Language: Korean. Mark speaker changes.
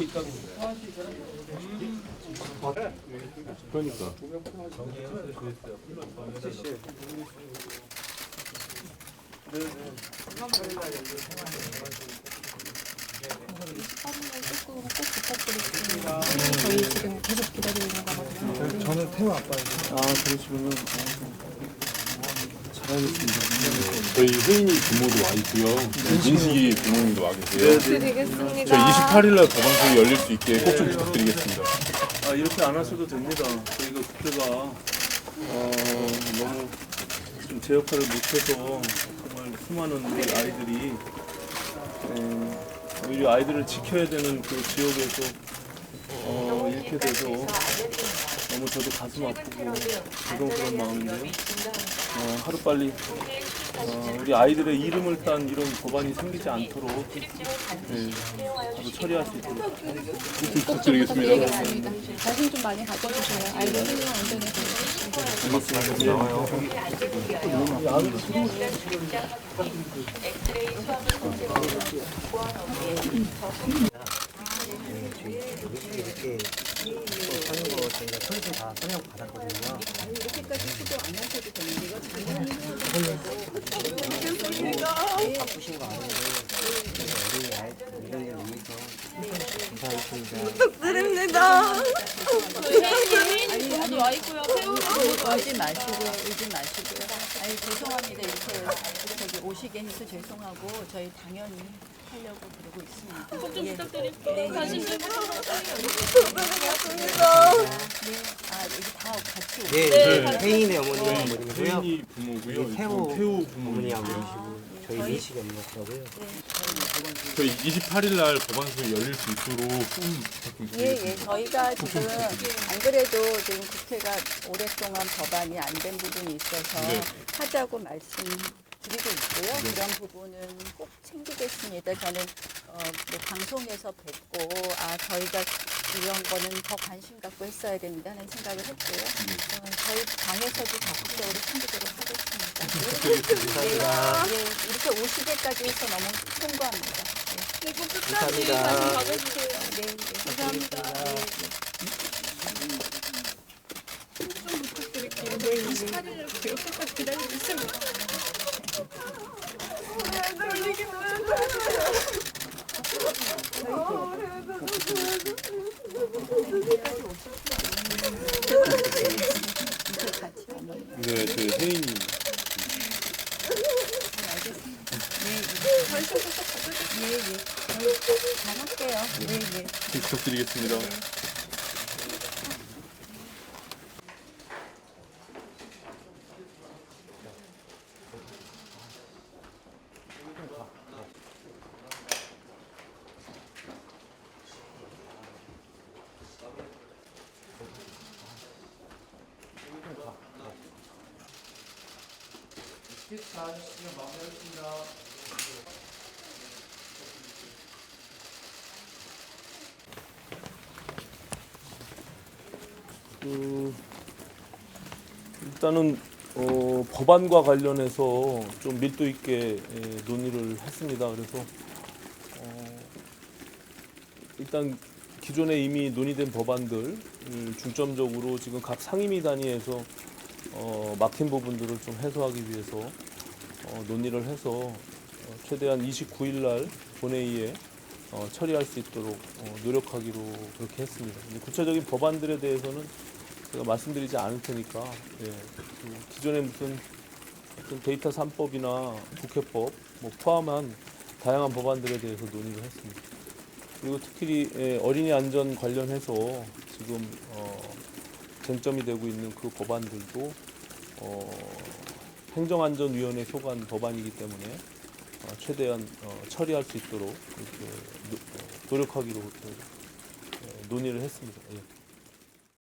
Speaker 1: 그러니까.
Speaker 2: 저희 지금 계속 기다리고 있는 거거든요.
Speaker 3: 저는 태우 아빠예요.
Speaker 4: 아, 그러시군요. 잘하겠습니다.
Speaker 1: 저희 혜인이 부모도 와 있고요. 민식이 부모님도 와 계세요.
Speaker 2: 드리겠습니다.
Speaker 1: 저희 28일날 법안소위 열릴 수 있게 꼭 좀 부탁드리겠습니다.
Speaker 4: 아, 이렇게 안 하셔도 됩니다. 저희가 국회가 너무 좀 제 역할을 못해서 정말 수많은 우리 아이들이 우리 아이들을 지켜야 되는 그 지역에서 이렇게 돼서 너무 저도 가슴 아프고 그런 마음인데요. 하루빨리 우리 아이들의 이름을 딴 이런 법안이 생기지 않도록 바로 처리할 수 있도록
Speaker 1: 부탁드리겠습니다.
Speaker 2: 관심 좀 많이 가져주세요. 아이들 생명 안전에 대해서.
Speaker 3: 이렇게 하는 거 저희가 철수 다 설명 받았거든요.
Speaker 5: 이렇게까지 시도 안 하셔도 되는데 이거 작년에
Speaker 3: 바쁘신 거 아는데 어린이 아이들을 위해서 감사하겠습니다.
Speaker 2: 부탁드립니다.
Speaker 5: 아니 와 있고요. 울지 마시고요. 아니 죄송합니다. 이렇게 저기 오시게 해서 죄송하고 저희 당연히 하려고 그러고 있습니다. 꼭 좀 부탁드릴게요. 관심 좀
Speaker 2: 부탁드리겠습니다.
Speaker 5: 네, 여기 다 같이 오세요.
Speaker 3: 네, 혜인의 어머니고요.
Speaker 1: 혜인이 부모고요.
Speaker 3: 태우
Speaker 1: 태우
Speaker 3: 어머니하고
Speaker 1: 부모님이고요.
Speaker 3: 계시고 저희 민식이 엄마고요.
Speaker 1: 저희 28일날 법안소위 열릴 수 있도록 좀 부탁드리겠습니다.
Speaker 5: 저희가 지금 안 그래도 지금 국회가 오랫동안 법안이 안 된 부분이 있어서
Speaker 1: 네.
Speaker 5: 하자고 말씀드리고 있고요. 그런 부분은 꼭 챙기겠습니다. 저는 뭐 방송에서 뵙고 저희가 이런 거는 더 관심 갖고 했어야 된다는 생각을 했고요. 저희 당에서도 적극적으로 챙기도록 하겠습니다. 이렇게 오시게까지 해서 너무 송구합니다.
Speaker 2: 네, 꼭 끝까지
Speaker 3: 감사합니다.
Speaker 2: 관심 가져주세요.
Speaker 5: 감사합니다.
Speaker 2: 좀 부탁드릴게요. 네, 28일을 그렇게까지 기다리고 있습니다.
Speaker 1: 네, 저희 혜인이
Speaker 5: 잘할게요.
Speaker 1: 부탁드리겠습니다.
Speaker 4: 일단은 법안과 관련해서 좀 밀도 있게 논의를 했습니다. 그래서 일단 기존에 이미 논의된 법안들 중점적으로 지금 각 상임위 단위에서 막힌 부분들을 좀 해소하기 위해서 논의를 해서 최대한 29일 날 본회의에 처리할 수 있도록 노력하기로 그렇게 했습니다. 구체적인 법안들에 대해서는 제가 말씀드리지 않을 테니까 그 기존에 무슨 데이터 3법이나 국회법 포함한 다양한 법안들에 대해서 논의를 했습니다. 그리고 특히 어린이 안전 관련해서 지금 쟁점이 되고 있는 그 법안들도 행정안전위원회 소관 법안이기 때문에 최대한 처리할 수 있도록 이렇게 노력하기로 논의를 했습니다. 예.